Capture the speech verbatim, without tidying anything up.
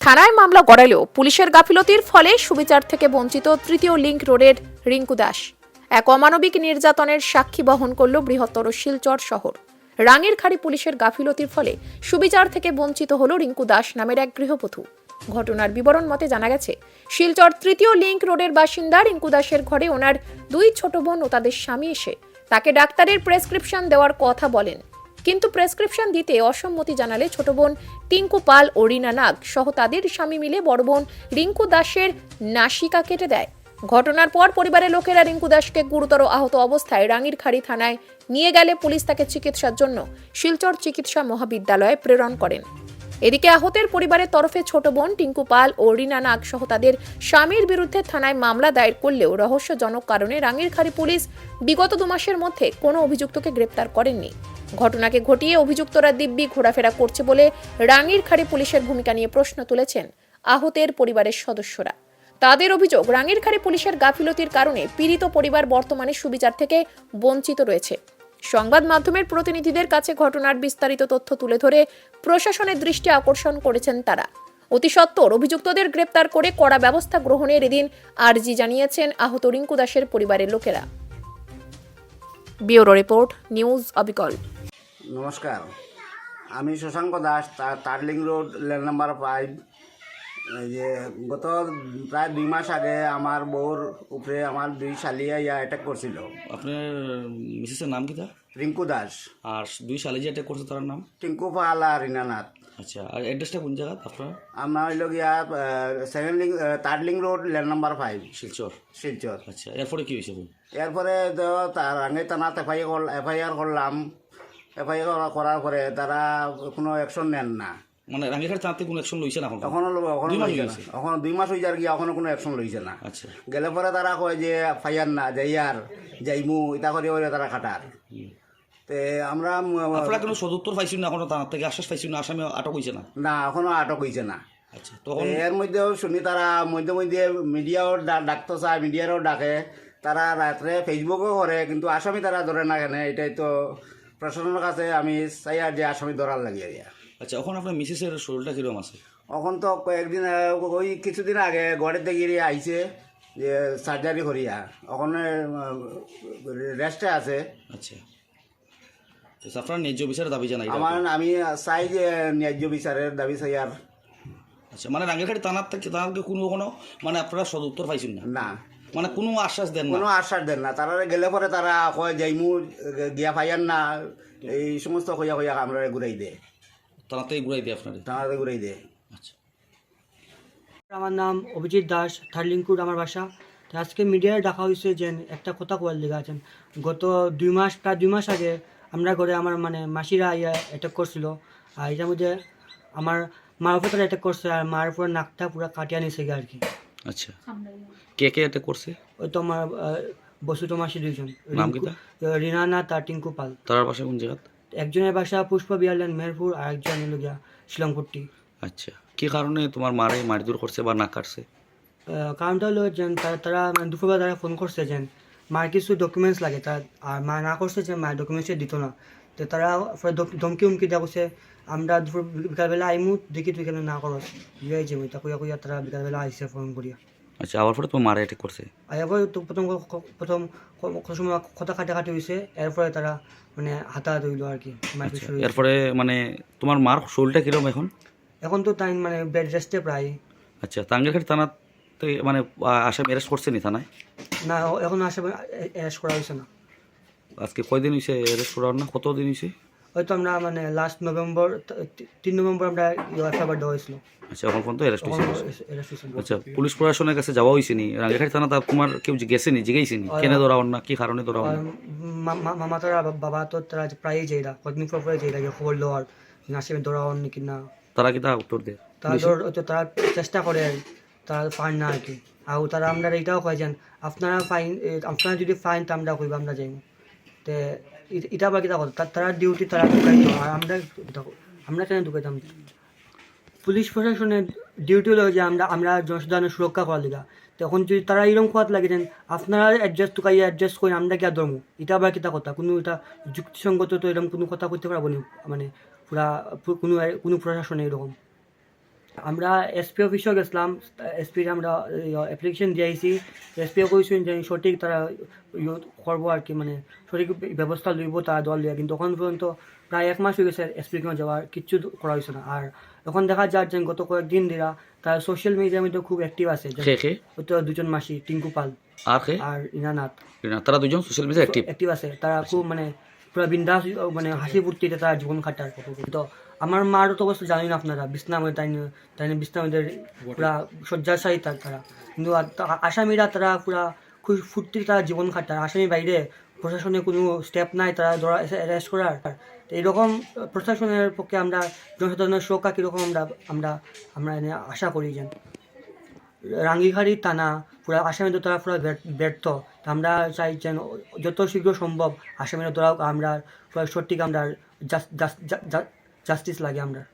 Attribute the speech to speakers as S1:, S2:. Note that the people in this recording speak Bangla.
S1: থানায় মামলা গড়ালেও পুলিশের গাফিলতির ফলে সুবিচার থেকে বঞ্চিত তৃতীয় লিংক রোডের রিঙ্কু দাস এক অমানবিক নির্যাতনের সাক্ষী বহন করল বৃহত্তর শিলচর শহর। রাঙ্গিরখাড়ি পুলিশের গাফিলতির ফলে সুবিচার থেকে বঞ্চিত হল রিঙ্কু দাস নামের এক গৃহবধূ। ঘটনার বিবরণ মতে জানা গেছে, শিলচর তৃতীয় লিংক রোডের বাসিন্দা রিঙ্কু দাসের ঘরে ওনার দুই ছোট বোন ও তাদের স্বামী এসে তাকে ডাক্তারের প্রেসক্রিপশন দেওয়ার কথা বলেন, কিন্তু প্রেসক্রিপশন দিতে অসম্মতি জানালে ছোট বোন টিঙ্কু পাল ও রিনা নাগ সহ তাদের স্বামী মিলে বড় বোন রিঙ্কু দাসের নাসিকা কেটে দেয়। ঘটনার পর পরিবারের লোকেরা রিঙ্কু দাসকে গুরুতর আহত অবস্থায় রাঙ্গিরখাড়ি থানায় নিয়ে গেলে পুলিশ তাকে চিকিৎসার জন্য শিলচর চিকিৎসা মহাবিদ্যালয়ে প্রেরণ করেন। এদিকে আহতের পরিবারের তরফে ছোট বোন টিঙ্কু পাল ও রিনা নাগ সহ তাদের স্বামীর বিরুদ্ধে থানায় মামলা দায়ের করলেও রহস্যজনক কারণে রাঙ্গিরখাড়ি পুলিশ বিগত দু মাসের মধ্যে কোনো অভিযুক্তকে গ্রেপ্তার করেননি। ঘটনাকে ঘটিয়ে অভিযুক্তরা দিব্যি ঘোরাফেরা করছে বলে রাঙ্গিরখাড়ি পুলিশের ভূমিকা নিয়ে প্রশ্ন তুলেছেন আহতের পরিবারের সদস্যরা। তাদের অভিযোগ, রাঙ্গিরখাড়ি পুলিশের গাফিলতির কারণে পীড়িত পরিবার বর্তমানে সুবিচার থেকে বঞ্চিত রয়েছে। সংবাদ মাধ্যমের প্রতিনিধিদের কাছে ঘটনার বিস্তারিত তথ্য তুলে ধরে প্রশাসনের দৃষ্টি আকর্ষণ করেছেন তারা। অতি সত্বর অভিযুক্তদের গ্রেপ্তার করে কড়া ব্যবস্থা গ্রহণের এদিন আর্জি জানিয়েছেন আহত রিঙ্কু দাসের পরিবারের লোকেরা। ব্যুরো রিপোর্ট, নিউজ অবিকল।
S2: নমস্কার, আমি Shashanka Das, Tarling road lane number five. এই যে গত প্রায় দুই মাস আগে আমার বউর উপরে আমার দুই শালিয়া ইয়া অ্যাটাক করছিল।
S3: আপনার মিসেসের নাম কি তা?
S2: রিঙ্কু দাস।
S3: আর দুই শালি যে অ্যাটাক করছে তার নাম?
S2: টিঙ্কু পাল আর রিনানাথ।
S3: আচ্ছা, আর অ্যাড্রেসটা কোন জায়গা আপনার?
S2: আমরা হইল গিয়া সেভেন লিং Tarling road lane number five,
S3: Silchar.
S2: Silchar.
S3: আচ্ছা, এরপরে কি হয়েছে?
S2: এরপরে তো তার আগে থানাত এফআইআর এফআইআর করলাম। এফআইআর করার পরে তারা কোনো অ্যাকশন নেন না।
S3: মানে রাঙ্গিরখাড়ি থানাতে কোনো অ্যাকশন লইছে না?
S2: এখনো এখনো
S3: দুই মাস
S2: লইছে না।
S3: হয়েছে।
S2: এখনো দুই মাস হয়ে যার গিয়ে এখনো কোনো অ্যাকশন লইছে না।
S3: আচ্ছা,
S2: গেলে পরে তারা কয় যে ফাইয়ার না যাইয়ার যাইমু ইতা করে করে তারা খাটার। তে আমরা
S3: আপনারা কোনো সদুত্তর পাইছেন না? এখনো থানার থেকে আশ্বাস পাইছেন না? আসামি আটক হয়েছে না?
S2: না, এখনো আটক হয়েছে না।
S3: আচ্ছা, তখন
S2: এর মধ্যেও শুনি তারা মধ্যে মধ্যে মিডিয়াও ডাকতে চায়, মিডিয়ারও ডাকে, তারা রাত্রে ফেসবুকও করে, কিন্তু আসামি তারা ধরে না কেন এটাই তো প্রশাসনের কাছে আমি চাই আর যে আসামি ধরার লাগিয়ে দিয়া।
S3: আচ্ছা, এখন আপনার মিসেসের শরীরটা কীরকম আছে?
S2: এখন তো কয়েকদিন আহ, ওই কিছুদিন আগে ঘরের থেকে আইছে যে সার্জারি করিয়া, ওখানে রেস্টে আছে।
S3: আচ্ছা, তো আপনার ন্যায্য বিচারের দাবি জানাই
S2: আমার আমি চাই যে ন্যায্য বিচারের দাবি চাই আর।
S3: আচ্ছা, মানে রাঙ্গিরখাড়ি থানার থেকে থানাকে কোনো কোনো মানে আপনারা সদুত্তর পাইছেন না?
S2: না,
S3: মানে কোনো আশ্বাস দেন না?
S2: কোনো আশ্বাস দেন না। তারা গেলে পরে তারা কয় যাইমু গিয়া ফাইয়ার না, এই সমস্ত কইয়া কইয়া আমরা ঘুরাই দে,
S3: থানাতে ঘুরাই দেয় আপনার?
S2: তারা ঘুরাই দে।
S3: আচ্ছা,
S4: আমার নাম অভিজিৎ দাস, থার্লিংকুড আমার বাসা। তো আজকে মিডিয়ায় ডাকা হয়েছে যে একটা কথা কোয়াল লেগে আছেন। গত দুই মাস প্রায় দুই মাস আগে আমরা ঘরে আমার মানে মাসিরা ইয়া অ্যাটাক করছিল, আর এটার মধ্যে আমার মার উপরে তারা অ্যাটাক করছে, আর মার উপরে নাকটা পুরো কাটিয়ে নিয়েছে আর কি।
S3: আচ্ছা, কে কে এটা করছে?
S4: ওই তো আমার বসুত মাসি দুইজন,
S3: নাম কি তা?
S4: রিনানা তার টিঙ্কু পাল।
S3: তার বাসা কোন জায়গা?
S4: একজনের বাসা পুষ্প বিহারলেন মেহেরপুর, আর একজন এলো গিয়া শিলংপুরটি।
S3: আচ্ছা, কি কারণে তোমার মারে মারধর করছে বা না কাটছে?
S4: কারণটা হলো যে তারা তারা মানে দুপুরবেলা তারা ফোন করছে যে মার কিছু ডকুমেন্টস লাগে, তার আর মা না করছে যে মায়ের ডকুমেন্টসে দিত না। তো তারা ধমকি উমকি দেওয়া করছে, আমরা দুপুর বিকালবেলা আইমু দেখি তুই কেন না করস ইয়ে যে তা কইয়া কইয়া তারা বিকালবেলা আইসে ফোন করিয়া।
S3: আচ্ছা, আবার পরে তোমার মারে অ্যাটাক করছে?
S4: আর এরপরে তো প্রথম প্রথম সময় কথা কাটাকাটি হয়েছে, এরপরে তারা মানে হাতাহাতি হইলো আর কি।
S3: এরপরে মানে তোমার মার শরীরটা কিরকম এখন?
S4: এখন তো তাই মানে বেড রেস্টে প্রায়।
S3: আচ্ছা, রাঙ্গিরখাড়ি থানাতে মানে আসামি অ্যারেস্ট করছে নি থানায়?
S4: না, এখন আসামি অ্যারেস্ট করা হয়েছে না।
S3: আজকে কয়দিন হয়েছে অ্যারেস্ট করার? না কত দিন হয়েছে?
S4: হয়তো আমরা মানে লাস্ট নভেম্বর তিন নভেম্বর আমরা এফআইআর দেওয়া হয়েছিল।
S3: আচ্ছা, এখন পর্যন্ত অ্যারেস্ট হয়েছে?
S4: অ্যারেস্ট হয়েছে।
S3: আচ্ছা, পুলিশ প্রশাসনের কাছে যাওয়া হয়েছে নি? রাঙ্গিরখাড়ি থানা তোমার কেউ গেছে নি, জিজ্ঞাসি নি কেন ধরাও না, কি কারণে ধরাও না?
S4: মামা তারা বাবা তো তারা প্রায়ই যাইরা কদিন পর পরে যাইরা খবর দেওয়ার আসামি ধরাও নাকি না।
S3: তারা কি তা উত্তর দেয়?
S4: তারা তো তারা চেষ্টা করে, তারা পান না আর কি। আর তারা আমরা এইটাও কয় যেন আপনারা ফাইন, আপনারা যদি ফাইন তো আমরা কইব আমরা যাইব। তো এটা বা কিতা কথা, তারা ডিউটি তারা ঢুকাইতো, আর আমরা আমরা কেন ঢুকাইতাম? পুলিশ প্রশাসনের ডিউটি হলো যে আমরা আমরা জনসাধারণের সুরক্ষা করার লিগা। তখন যদি তারা এরকম খোয়াত লাগে যেন আপনারা অ্যাডজাস্ট টুকাইয়া অ্যাডজাস্ট করে আমরা কি আর ধরবো, এটা আবার কিতা কথা? কোনো এটা যুক্তিসঙ্গত তো এরকম কোনো কথা করতে পারবো না, মানে পুরা কোনো কোনো প্রশাসনে এরকম। আমরা এসপি অফিসও গেছিলাম, এসপির আমরা অ্যাপ্লিকেশন দিয়েছি, এসপিও কইছেন যে সঠিক তারা ইয়ে করবো আর কি, মানে সঠিক ব্যবস্থা লইব তারা দল দিয়ে, কিন্তু তখন পর্যন্ত প্রায় এক মাস হয়ে গেছে এসপির কোনো যাওয়ার কিচ্ছু করা হয়েছে না। আর এখন দেখা যায় যে গত কয়েকদিন দিরা তারা সোশ্যাল মিডিয়ার মধ্যে খুব অ্যাক্টিভ আছে,
S3: খে খে
S4: হয়তো দুজন মাসি টিঙ্কু পাল
S3: আর খে
S4: আর ইনানাথ
S3: না, তারা দুজন সোশ্যাল মিডিয়া অ্যাক্টিভ।
S4: অ্যাক্টিভ আছে, তারা খুব মানে পুরো বিন্দাস মানে হাসি ফুর্তিতে তারা জীবন কাটার। তো আমার মারও তো অবস্থা জানেন আপনারা, বিছনামে তাই তাই বিছনামদের পুরা শয্যাশায়ী তার তারা, কিন্তু আর তা- আসামিরা তারা পুরা খুব ফুর্তি তারা জীবন কাটার। আসামি বাইরে প্রশাসনের কোনো স্টেপ নাই তারা ধরা অ্যারেস্ট করার। তো এইরকম প্রশাসনের পক্ষে আমরা জনসাধারণের সুরক্ষা কীরকম আমরা আমরা আমরা এনে আশা করি যেন রাঙ্গিখাড়ি থানা পুরা আসামিদের তারা পুরা ব্যর্থ। তা আমরা চাই যেন যত শীঘ্র সম্ভব আসামিরা ধরা, আমরা পুরা সঠিক আমরা জাস্টিস লাগে আমরা।